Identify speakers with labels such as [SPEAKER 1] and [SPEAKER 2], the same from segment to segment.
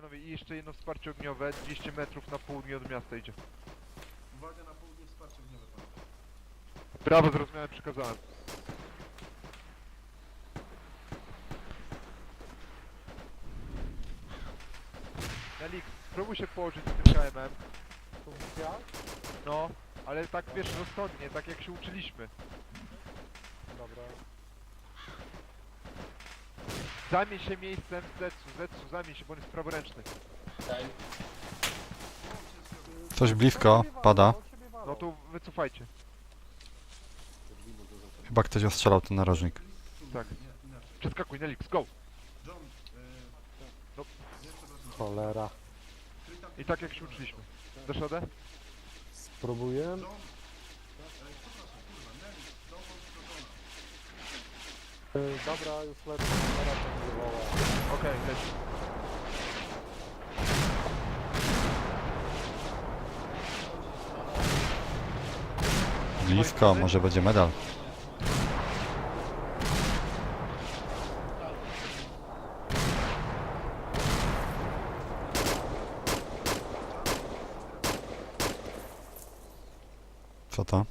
[SPEAKER 1] panowie, i jeszcze jedno wsparcie ogniowe, 200 metrów na południe od miasta idzie.
[SPEAKER 2] Uwaga na południe, wsparcie ogniowe, panowie.
[SPEAKER 1] Brawo, zrozumiałem, przekazałem. Nelix, spróbuj się położyć z tym KM-em.
[SPEAKER 3] Ja?
[SPEAKER 1] No, ale tak wiesz, rozsądnie, tak jak się uczyliśmy.
[SPEAKER 3] Dobra.
[SPEAKER 1] Zajmij się miejscem Zetsu, zajmij się, bo on jest praworęczny.
[SPEAKER 4] Okej.
[SPEAKER 5] Coś blisko, pada.
[SPEAKER 1] No to wycofajcie.
[SPEAKER 5] Chyba ktoś ostrzelał ten narożnik.
[SPEAKER 1] Tak.
[SPEAKER 2] Nie, inaczej.
[SPEAKER 1] Przeskakuj, Nelix, go!
[SPEAKER 2] John,
[SPEAKER 1] No.
[SPEAKER 2] nie, przepraszam.
[SPEAKER 3] Cholera.
[SPEAKER 2] Kryj tam-
[SPEAKER 1] I tak jak się uczyliśmy. Dasz radę?
[SPEAKER 3] Spróbuję.
[SPEAKER 2] John, przepraszam, kurwa, Nelly, dołącz do Johna.
[SPEAKER 3] Dobra, już lecę. Zaraz to wywoła.
[SPEAKER 1] Okej, leci.
[SPEAKER 5] Blisko, może będzie medal. Co to?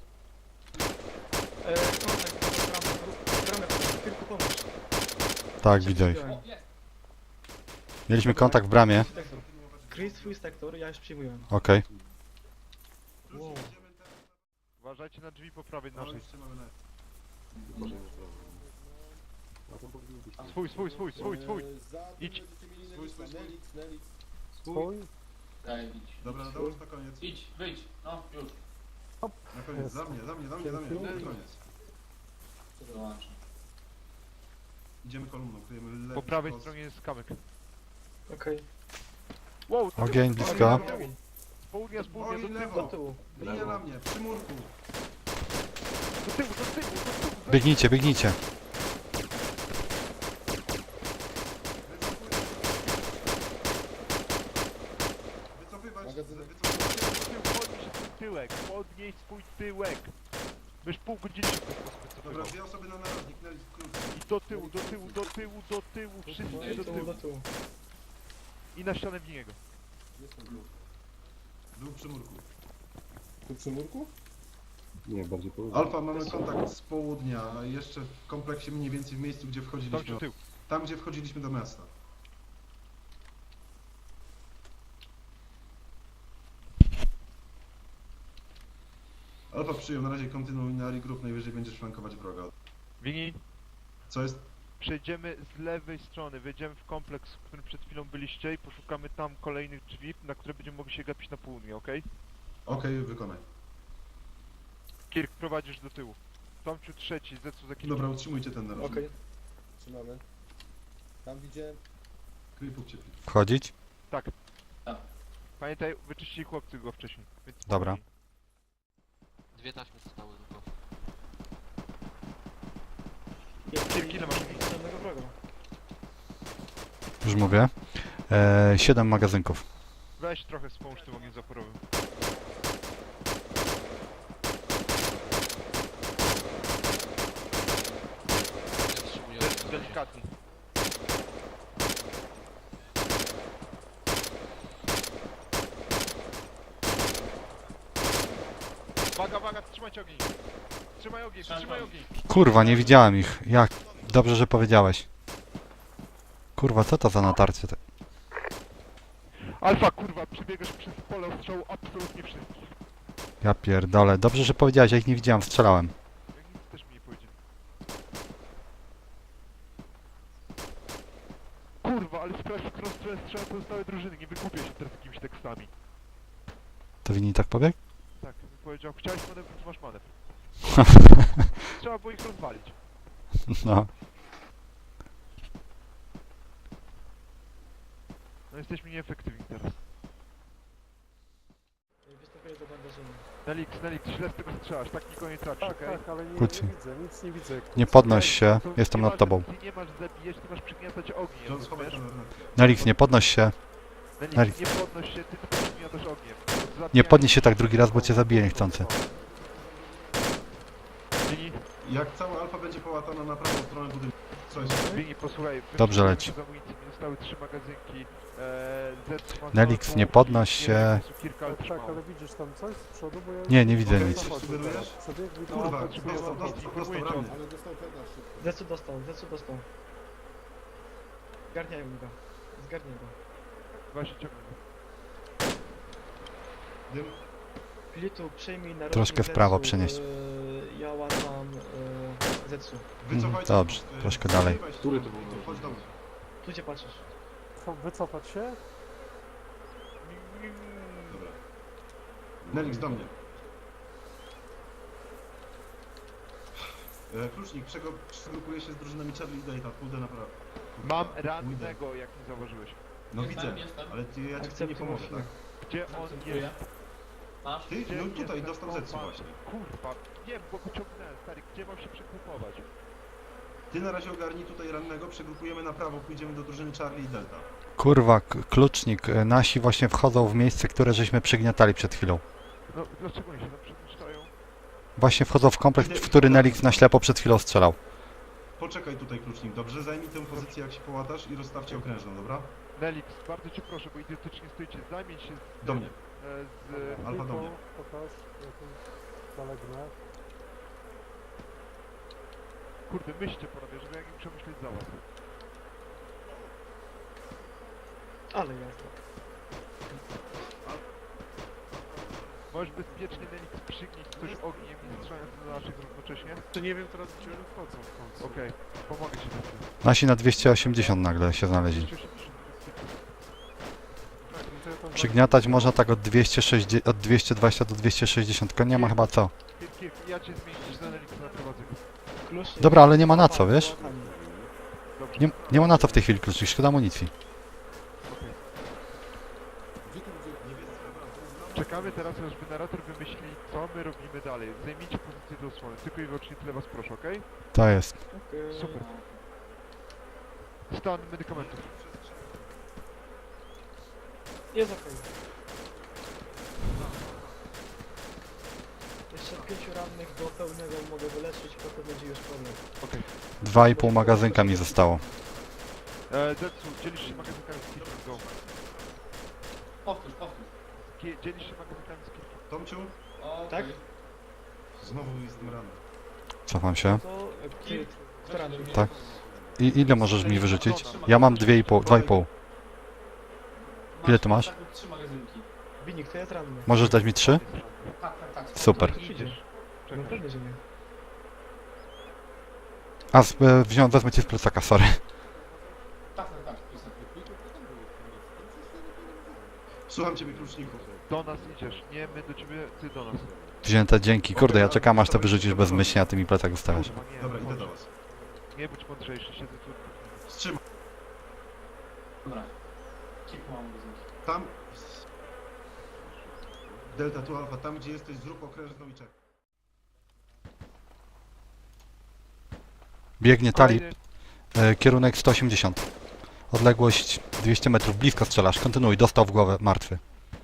[SPEAKER 5] Tak, widzę ich.
[SPEAKER 4] O, jest!
[SPEAKER 5] Mieliśmy kontakt w bramie.
[SPEAKER 6] Kryj swój sektor, ja już przyjmuję.
[SPEAKER 5] Okej.
[SPEAKER 2] Plus idziemy teraz
[SPEAKER 1] Uważajcie na drzwi po prawej
[SPEAKER 2] na...
[SPEAKER 1] naszej.
[SPEAKER 2] już trzymamy na...
[SPEAKER 1] Swój. Idź.
[SPEAKER 3] Swój?
[SPEAKER 4] Okej, idź.
[SPEAKER 2] Dobra, dołóż na koniec.
[SPEAKER 4] Idź, wyjdź. No, już.
[SPEAKER 2] Na koniec, za mnie. Na koniec.
[SPEAKER 4] Dołączam.
[SPEAKER 2] Idziemy kolumną, kryjemy lewy
[SPEAKER 1] Po prawej
[SPEAKER 2] skos.
[SPEAKER 1] stronie jest kamyk.
[SPEAKER 6] Okej.
[SPEAKER 1] Wow, to
[SPEAKER 5] Ogień blisko.
[SPEAKER 1] z południa,
[SPEAKER 2] Ogień
[SPEAKER 1] do tyłu,
[SPEAKER 2] lewo.
[SPEAKER 6] Do tyłu.
[SPEAKER 2] Linia na mnie, przy murku.
[SPEAKER 1] do tyłu.
[SPEAKER 5] Biegnijcie, biegnijcie.
[SPEAKER 2] Wycofywać.
[SPEAKER 1] Podnieś swój tyłek. Myś pół godziny się w ten sposób
[SPEAKER 2] Dobra,
[SPEAKER 1] wycofywał.
[SPEAKER 2] dwie osoby na narożnik, Nelly, skrót.
[SPEAKER 1] I do tyłu, wszyscy do tyłu.
[SPEAKER 6] Do tyłu.
[SPEAKER 1] I na ścianę w niego.
[SPEAKER 2] Był przy murku.
[SPEAKER 7] Tu przy murku? Nie, bardziej po
[SPEAKER 2] Alfa, mamy kontakt z południa, jeszcze w kompleksie mniej więcej w miejscu, gdzie
[SPEAKER 1] Tam
[SPEAKER 2] wchodziliśmy.
[SPEAKER 1] do tyłu.
[SPEAKER 2] Tam, gdzie wchodziliśmy do miasta. Alfa przyjął, na razie kontynuuj na regroup, najwyżej będziesz flankować wroga.
[SPEAKER 1] Wini,
[SPEAKER 2] Co jest?
[SPEAKER 1] przejdziemy z lewej strony, wejdziemy w kompleks, w którym przed chwilą byliście i poszukamy tam kolejnych drzwi, na które będziemy mogli się gapić na południe, okej?
[SPEAKER 2] Okej, wykonaj.
[SPEAKER 1] Kirk, prowadzisz do tyłu. Tomciu trzeci, Zetsu za kilka.
[SPEAKER 2] Dobra, utrzymujcie ten narożnik.
[SPEAKER 6] Okej.
[SPEAKER 7] Trzymamy. Tam widziałem.
[SPEAKER 2] Kryj punkt ciepli.
[SPEAKER 5] Wchodzić?
[SPEAKER 1] Pamiętaj, wyczyścili chłopcy go wcześniej. Więc
[SPEAKER 5] Dobra.
[SPEAKER 8] Dwie taśmy zostały tylko.
[SPEAKER 1] Kirk, ile masz?
[SPEAKER 6] Żadnego wroga.
[SPEAKER 5] Już mówię. 7 magazynków.
[SPEAKER 1] Weź trochę wspomóż tym ogniem zaporowym.
[SPEAKER 8] Ja wstrzymuję ogień na razie.
[SPEAKER 1] Delikatnie. Uwaga, trzymajcie ogień. Trzymaj ogień.
[SPEAKER 5] Kurwa, nie widziałem ich. Jak? Dobrze, że powiedziałeś. Kurwa, co to za natarcie?
[SPEAKER 1] Alfa, kurwa, przebiegasz przez pole ostrzału absolutnie wszystkich.
[SPEAKER 5] Ja pierdolę. Dobrze, że powiedziałeś, ja ich nie widziałem, strzelałem.
[SPEAKER 1] Jak nic też mi nie powiedzieli. Kurwa, ale sprawdź, w którą stronę strzela pozostałe drużyny, nie wykupię się teraz jakimiś tekstami.
[SPEAKER 5] To Winni tak pobiegł?
[SPEAKER 1] Tak, powiedział, chciałeś manewr, to masz manewr. Trzeba było ich rozwalić.
[SPEAKER 5] No.
[SPEAKER 1] No jesteśmy nieefektywni teraz.
[SPEAKER 6] Występuję do bandażyny.
[SPEAKER 1] Nelix, źle z tego strzelasz, tak nikogo nie trafisz,
[SPEAKER 3] Tak,
[SPEAKER 1] okej?
[SPEAKER 3] tak, ale nie
[SPEAKER 5] Kuci.
[SPEAKER 3] widzę, nic nie widzę.
[SPEAKER 5] Nie podnoś się,
[SPEAKER 1] To
[SPEAKER 5] jestem
[SPEAKER 1] nie
[SPEAKER 5] nad tobą.
[SPEAKER 1] Ty nie masz zabijać, ty masz przygniatać ogniem,
[SPEAKER 2] John, schowaj
[SPEAKER 1] rozumiesz?
[SPEAKER 2] kamerę.
[SPEAKER 5] Nelix, nie podnoś się.
[SPEAKER 1] Nelix, nie podnoś się, ty tylko przygniatasz ogniem.
[SPEAKER 5] Nie podnieś się tak drugi raz, bo cię zabiję niechcący.
[SPEAKER 1] Czyli
[SPEAKER 2] Jak cała alfa będzie połatana na prawą stronę budynku, Słuchajcie,
[SPEAKER 1] Bini, posłuchaj.
[SPEAKER 5] Dobrze
[SPEAKER 1] wyszukałem
[SPEAKER 5] leci.
[SPEAKER 1] z amunicji, mi zostały 3 magazynki. Z ma
[SPEAKER 5] Nelix,
[SPEAKER 1] znowu
[SPEAKER 5] nie podnoś
[SPEAKER 1] nie
[SPEAKER 5] się.
[SPEAKER 1] wiem, jest kilka, ale
[SPEAKER 3] Tak,
[SPEAKER 1] trzymało.
[SPEAKER 3] ale widzisz tam coś z przodu, bo ja...
[SPEAKER 5] Nie, nie widzę
[SPEAKER 2] Okej,
[SPEAKER 5] nic.
[SPEAKER 2] coś sugerujesz?
[SPEAKER 3] Przebieg, widzę...
[SPEAKER 2] Kurwa,
[SPEAKER 1] potrzebuję
[SPEAKER 2] dostał,
[SPEAKER 1] amunicji,
[SPEAKER 2] dostał
[SPEAKER 1] informuję
[SPEAKER 2] rany.
[SPEAKER 7] Ale dostał peda szybko.
[SPEAKER 6] Zecu dostał. Zgarniaj go. Zgarniaj go.
[SPEAKER 1] Właśnie ciągnę.
[SPEAKER 2] Dym.
[SPEAKER 6] Filitu, przejmij na
[SPEAKER 5] Troszkę w
[SPEAKER 6] Zetsu,
[SPEAKER 5] prawo przenieść.
[SPEAKER 6] Ja łatam Zetsu.
[SPEAKER 2] Wycofajcie.
[SPEAKER 5] Dobrze, troszkę dalej.
[SPEAKER 7] Który to był?
[SPEAKER 2] Chodź do mnie.
[SPEAKER 6] Tu cię patrzysz.
[SPEAKER 3] Wycofać się?
[SPEAKER 2] Dobra. Nelix, do mnie. Klucznik, przegrupuje się z drużynami Charlie i Data. Pójdę na prawo.
[SPEAKER 1] Mam rannego, jak nie zauważyłeś.
[SPEAKER 2] No
[SPEAKER 4] Jestem,
[SPEAKER 2] widzę,
[SPEAKER 4] jestem.
[SPEAKER 2] ale ja ci w tym nie
[SPEAKER 6] Akceptuję
[SPEAKER 2] pomogę,
[SPEAKER 6] chwilę.
[SPEAKER 2] tak?
[SPEAKER 1] Gdzie on
[SPEAKER 4] Akceptuję.
[SPEAKER 1] jest?
[SPEAKER 4] Masz?
[SPEAKER 2] Ty,
[SPEAKER 1] Gdzie
[SPEAKER 2] no
[SPEAKER 1] jest
[SPEAKER 2] tutaj
[SPEAKER 1] ten
[SPEAKER 2] dostał Zetsu
[SPEAKER 1] kompas?
[SPEAKER 2] właśnie.
[SPEAKER 1] Kurwa, nie, bo wyciągnąłem, stary, gdzie mam się przegrupować?
[SPEAKER 2] Ty na razie ogarnij tutaj rannego, przegrupujemy na prawo, pójdziemy do drużyny Charlie i Delta.
[SPEAKER 5] Kurwa, klucznik. Nasi właśnie wchodzą w miejsce, które żeśmy przygniatali przed chwilą.
[SPEAKER 1] No, dlaczego oni się tam przemieszczają?
[SPEAKER 5] Właśnie wchodzą w kompleks, w który Nelix na ślepo przed chwilą strzelał.
[SPEAKER 2] Poczekaj tutaj, Klucznik, dobrze? Zajmij tę pozycję, jak się połatasz i rozstawcie okrężną, dobra?
[SPEAKER 1] Nelix, bardzo cię proszę, bo idiotycznie stoicie, zajmij się z...
[SPEAKER 2] Do mnie.
[SPEAKER 1] Z...
[SPEAKER 2] Alfa do mnie.
[SPEAKER 3] Pokaż, ja tu zalegnę.
[SPEAKER 1] Kurde, myślcie panowie, żeby jak im przemyśleć za was.
[SPEAKER 6] Ale jazda.
[SPEAKER 1] Możesz bezpiecznie Nelix przygnić coś ogniem i strzelając do naszych równocześnie?
[SPEAKER 3] To nie wiem teraz, gdzie oni wchodzą w końcu.
[SPEAKER 1] Okej, pomogę ci na tym.
[SPEAKER 5] Nasi na 280 nagle się znaleźli.
[SPEAKER 1] 280.
[SPEAKER 3] Tak, no to ja tam
[SPEAKER 5] Przygniatać można tak od 260, od 220 do 260, tylko nie ma chyba co.
[SPEAKER 1] Kirk, ja cię zmienić za Nelixa na prowadzę.
[SPEAKER 6] Klucznik.
[SPEAKER 5] Dobra, ale nie ma na co, wiesz?
[SPEAKER 1] Dobrze.
[SPEAKER 5] Nie ma na co w tej chwili klucznik, szkoda amunicji.
[SPEAKER 1] Okej.
[SPEAKER 7] Gdzie tu gdzie?
[SPEAKER 1] Czekamy teraz, aż generator wymyśli, co my robimy dalej. Zajmijcie pozycję do osłony, tylko i wyłącznie tyle was proszę, okej?
[SPEAKER 5] To jest.
[SPEAKER 6] Okej.
[SPEAKER 1] Super. Stan medykamentów.
[SPEAKER 6] Jest okej. Jeszcze 5 rannych do pełnego mogę wyleczyć, potem będzie już problem.
[SPEAKER 1] Okej.
[SPEAKER 5] 2,5 magazynka mi zostało.
[SPEAKER 1] Zetsu, dzielisz się magazynkami z Kirkiem, go.
[SPEAKER 4] Powtórz.
[SPEAKER 1] Dzielisz się magazynkami z Kirkiem.
[SPEAKER 2] Tomciu,
[SPEAKER 4] Okej.
[SPEAKER 6] Tak?
[SPEAKER 2] znowu jestem ranny.
[SPEAKER 5] Cofam się.
[SPEAKER 6] To ty, kto ranny?
[SPEAKER 5] Tak. I ile możesz mi wyrzucić? Ja mam 2,5. Ile ty masz?
[SPEAKER 4] Tak, 3 magazynki.
[SPEAKER 6] Binik, to jest ranny.
[SPEAKER 5] Możesz dać mi 3?
[SPEAKER 4] Tak.
[SPEAKER 5] Super.
[SPEAKER 6] Idziesz. No
[SPEAKER 1] Czekaj.
[SPEAKER 6] pewnie, że nie.
[SPEAKER 5] A, wezmę cię z plecaka, sorry.
[SPEAKER 4] Tak.
[SPEAKER 2] Słucham ciebie, Kluczniku.
[SPEAKER 1] Do nas idziesz, nie my do ciebie, ty do nas.
[SPEAKER 5] Wzięte, dzięki. Kurde, ja czekam aż to wyrzucisz bezmyślnie, a ty mi plecak ustawiasz.
[SPEAKER 1] Kurwa, nie,
[SPEAKER 2] Dobra, idę
[SPEAKER 1] chodź.
[SPEAKER 2] do was.
[SPEAKER 1] Nie bądź mądrzejszy, siedzę tu.
[SPEAKER 2] Wstrzymaj.
[SPEAKER 4] Dobra. Kilku mam magazynki.
[SPEAKER 2] Tam... Delta, tu Alfa, tam gdzie jesteś, zrób okrężną i czekaj.
[SPEAKER 5] Biegnie talib,
[SPEAKER 1] Kolejny-
[SPEAKER 5] kierunek 180. Odległość 200 metrów, blisko strzelasz. Kontynuuj, dostał w głowę, martwy.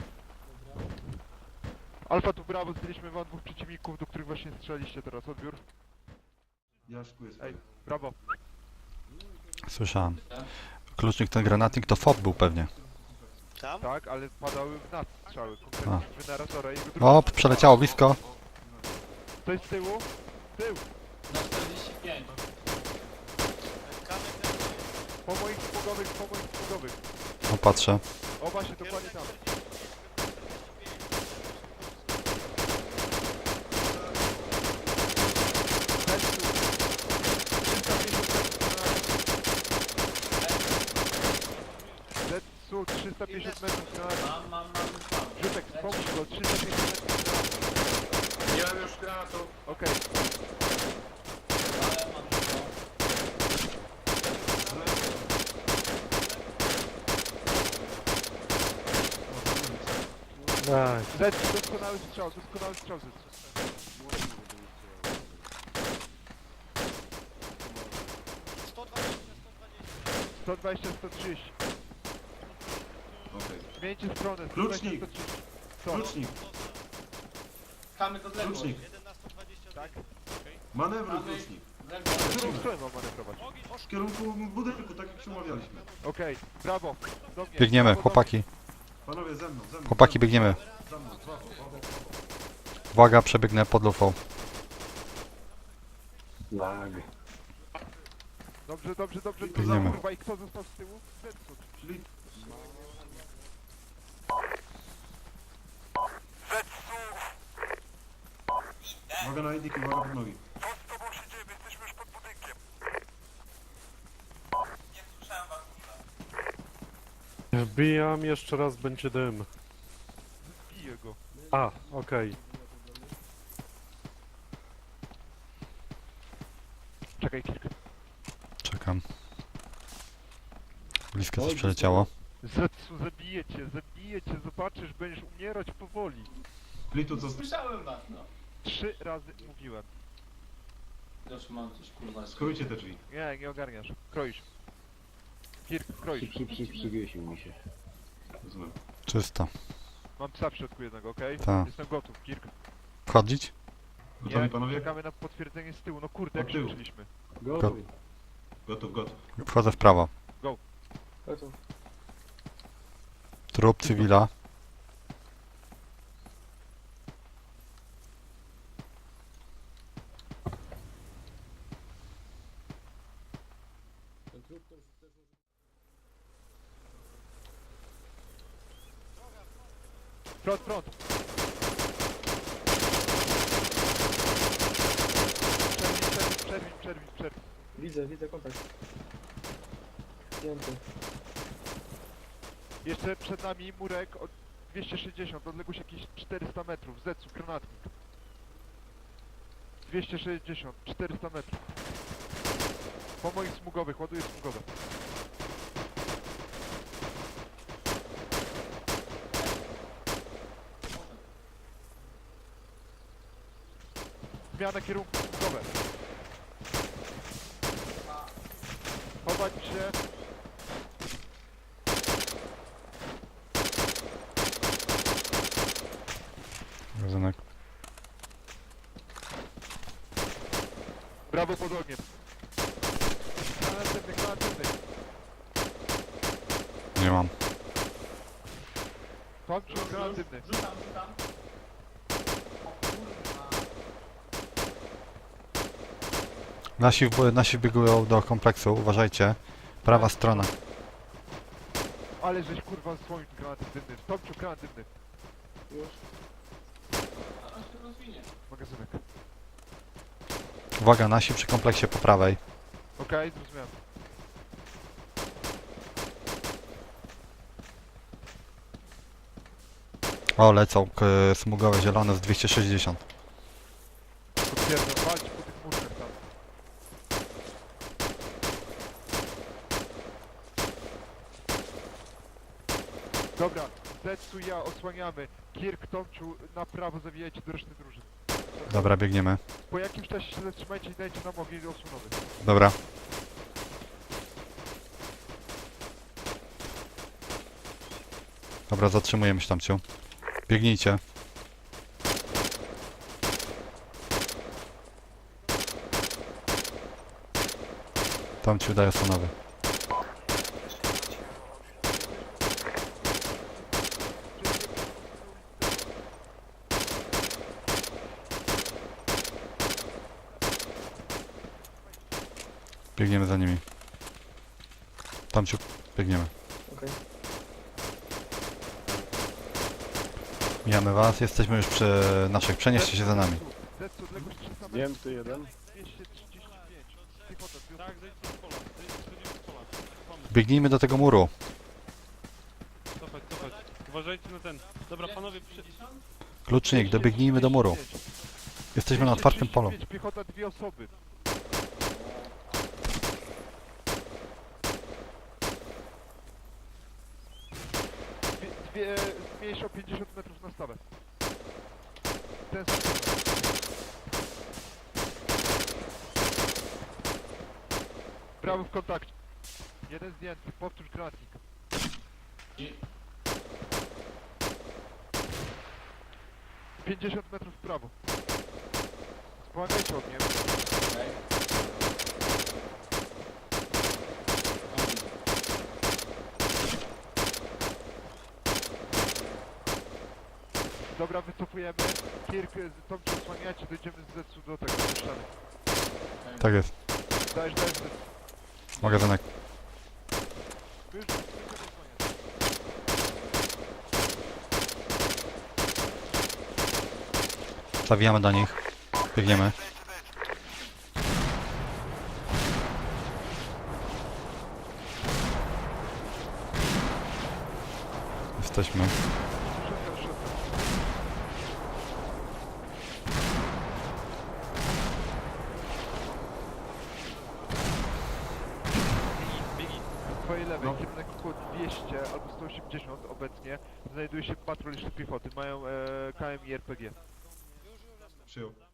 [SPEAKER 1] Alfa tu brawo, zdjęliśmy wam 2 przeciwników, do których właśnie strzelaliście teraz. Odbiór.
[SPEAKER 2] Ja szykuję swoje.
[SPEAKER 1] Ej, brawo.
[SPEAKER 5] Słyszałem. Klucznik, ten granatnik to FOB był pewnie.
[SPEAKER 1] Tak, ale padały w nas strzały,
[SPEAKER 5] A.
[SPEAKER 1] konkretnie w generatora i jego drugi.
[SPEAKER 5] O, przeleciało blisko.
[SPEAKER 1] To jest z tyłu? Tył!
[SPEAKER 4] Na 45.
[SPEAKER 1] Po moich smogowych.
[SPEAKER 5] O, patrzę.
[SPEAKER 1] O właśnie, dokładnie tam. Zetsu, 350 metrów na...
[SPEAKER 4] Mam.
[SPEAKER 1] Rzutek, pomóż go, 350 metrów na...
[SPEAKER 7] Nie mam już granatu.
[SPEAKER 1] Okej,
[SPEAKER 4] Ale mam to.
[SPEAKER 3] Daj.
[SPEAKER 1] Zetsu, doskonały strzał, Zetsu. Sto 130.
[SPEAKER 2] Okej.
[SPEAKER 1] Zmieńcie stronę.
[SPEAKER 2] Klucznik.
[SPEAKER 1] 130. Co?
[SPEAKER 2] Klucznik,
[SPEAKER 4] Kamy do odległość.
[SPEAKER 2] Klucznik.
[SPEAKER 1] Tak?
[SPEAKER 2] Manewruj, Klucznik.
[SPEAKER 1] W którą stronę mam manewrować?
[SPEAKER 2] W kierunku budynku, tak jak się umawialiśmy.
[SPEAKER 1] Okej, brawo. Do mnie,
[SPEAKER 5] Biegniemy,
[SPEAKER 1] brawo do
[SPEAKER 5] chłopaki.
[SPEAKER 2] Panowie, ze mną, ze mną.
[SPEAKER 5] Chłopaki,
[SPEAKER 2] ze mną.
[SPEAKER 5] biegniemy.
[SPEAKER 2] Za mną, brawo, brawo.
[SPEAKER 5] Uwaga, przebiegnę pod lufą.
[SPEAKER 7] Lag.
[SPEAKER 1] mnie. Dobrze, dobrze, dobrze.
[SPEAKER 5] Biegniemy.
[SPEAKER 1] Kurwa, i kto został z tyłu? Zetsu.
[SPEAKER 2] Czyli uwaga na Edik, uwaga pod nogi.
[SPEAKER 3] Wbijam, jeszcze raz będzie dym.
[SPEAKER 1] Biję go.
[SPEAKER 3] A, okej.
[SPEAKER 1] Czekaj, kilka.
[SPEAKER 5] Czekam. Blisko coś przeleciało.
[SPEAKER 1] Zetsu, zabiję cię, zobaczysz, będziesz umierać powoli.
[SPEAKER 2] Plitu, co
[SPEAKER 4] Słyszałem was, no.
[SPEAKER 1] 3 razy mówiłem.
[SPEAKER 4] Już mam coś kurwa.
[SPEAKER 2] skrójcie te drzwi.
[SPEAKER 1] Nie, nie ogarniasz. Kroisz. Kirk, kroisz.
[SPEAKER 7] Przywiesił mi się.
[SPEAKER 2] Rozumiem.
[SPEAKER 5] Czysto.
[SPEAKER 1] Mam psa w środku jednego, okej?
[SPEAKER 5] Tak.
[SPEAKER 1] Jestem gotów, Kirk.
[SPEAKER 5] Wchodzić?
[SPEAKER 2] Gotowi
[SPEAKER 1] Nie,
[SPEAKER 2] panowie?
[SPEAKER 1] czekamy na potwierdzenie z tyłu. No kurde, jak
[SPEAKER 2] Od tyłu.
[SPEAKER 1] krzyczeliśmy.
[SPEAKER 7] Gotuj.
[SPEAKER 2] Gotów, gotów.
[SPEAKER 5] Wchodzę w prawo.
[SPEAKER 6] Gotów.
[SPEAKER 5] Trup cywila.
[SPEAKER 1] Front, front! Przerwij.
[SPEAKER 6] Widzę kontakt. Zdjęty.
[SPEAKER 1] Jeszcze przed nami murek od 260, odległość jakieś 400 metrów. Zetsu, granatnik. 260, 400 metrów. Po moich smugowych, ładuję smugowe. Zmiana kierunku, smugowe. Chować się.
[SPEAKER 5] Magazynek.
[SPEAKER 1] Brawo pod ogniem. Granatywny.
[SPEAKER 5] Nie mam.
[SPEAKER 1] Kończył granatywny.
[SPEAKER 4] Rzucam. O kurwa.
[SPEAKER 5] Nasi biegują do kompleksu, uważajcie. Prawa strona.
[SPEAKER 1] Ale żeś kurwa słońc granatywny. Tomciu granatywny.
[SPEAKER 6] Już.
[SPEAKER 4] A on się rozwinie.
[SPEAKER 1] Magazynek.
[SPEAKER 5] Uwaga, nasi przy kompleksie po prawej.
[SPEAKER 1] Okej, zrozumiałem.
[SPEAKER 5] O, lecą smugowe zielone z 260.
[SPEAKER 1] Potwierdzam, walcz po tych murkach tam. Dobra, Zetsu i ja osłaniamy. Kirk, Tomciu, na prawo zawijajcie do reszty drużyn.
[SPEAKER 5] Dobra, biegniemy.
[SPEAKER 1] Po jakimś czasie się zatrzymajcie i dajcie nam ogień osłonowy.
[SPEAKER 5] Dobra. Dobra, zatrzymujemy się tam, ciu. Biegnijcie. Tam ci udaje osłonowy. Biegniemy za nimi. Tam ci biegniemy.
[SPEAKER 6] Okej.
[SPEAKER 5] Mijamy was, jesteśmy już przy naszych. Przenieście się za nami.
[SPEAKER 1] Zetsu, odległość 300 metrów.
[SPEAKER 3] Zdjęty jeden.
[SPEAKER 1] 235. Piechota,
[SPEAKER 3] Tak, zejdź z pola. Zejdź z pola.
[SPEAKER 5] Biegnijmy do tego muru.
[SPEAKER 3] Cofać. Uważajcie na ten. Dobra, panowie,
[SPEAKER 4] 50?
[SPEAKER 5] Klucznik, dobiegnijmy do muru. Jesteśmy na otwartym polu.
[SPEAKER 1] 235, Piechota, 2 osoby. Zmniejsz o 50 metrów na stawę. Ten sam kierunek. Prawo w kontakcie. Jeden zdjęty, powtórz granatnik.
[SPEAKER 4] I-
[SPEAKER 1] 50 metrów w prawo. Wspomagajcie ogniem.
[SPEAKER 4] Okej.
[SPEAKER 1] Dobra, wycofujemy. Kirk, Tom cię osłaniacie, dojdziemy z Zetsu do tego, do ściany.
[SPEAKER 5] Tak jest.
[SPEAKER 1] Dajesz, Zetsu.
[SPEAKER 5] Magazynek.
[SPEAKER 1] My już nie chcemy osłaniać.
[SPEAKER 5] Zawijamy do nich. Biegniemy. Jesteśmy.
[SPEAKER 1] Szybko, szybko. Po twojej lewej,
[SPEAKER 2] No.
[SPEAKER 1] kierunek około 200 albo 180 obecnie, znajduje się patrol jeszcze piechoty. Mają KM i RPG.
[SPEAKER 2] Przyjął.